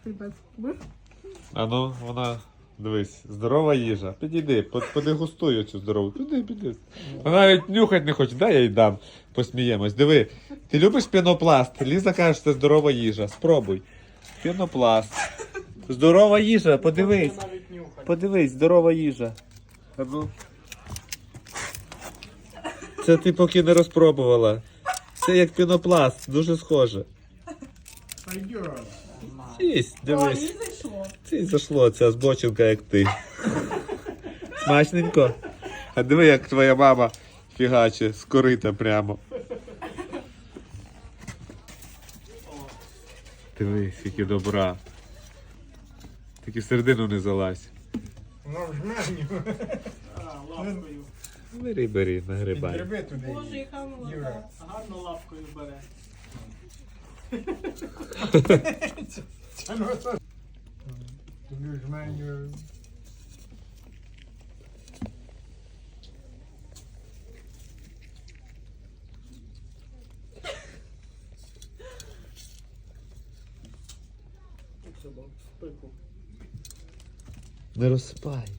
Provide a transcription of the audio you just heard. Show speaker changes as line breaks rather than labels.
хлібець. Будеш?
А ну, вона, дивись, здорова їжа. Підійди, подегустуй оцю здорову. Піди. Вона навіть нюхати не хоче, дай я їй дам. Посміємось. Диви, ти любиш пінопласт? Ліза каже, що це здорова їжа. Спробуй. Пінопласт. Здорова їжа, подивись. Подивись, здорова їжа. А ну. Це ти поки не розпробувала. Це як пінопласт, дуже схоже. Їсть,
О,
дивись.
їй зайшло.
Це зайшло, ця збочинка, як ти. Смачненько. А диви, як твоя мама фігаче, з корита прямо. Диви, скільки добра. Тільки в середину не залазь.
Ну, в жменю.
Лапкою.
Бери, нагрибай.
Підгриби туди.
Боже, яка молода.
Юра.
Гарно лапкою бере.
Це ну то. Тобі в жменю.
Як собак, в пику.
Не розсипай.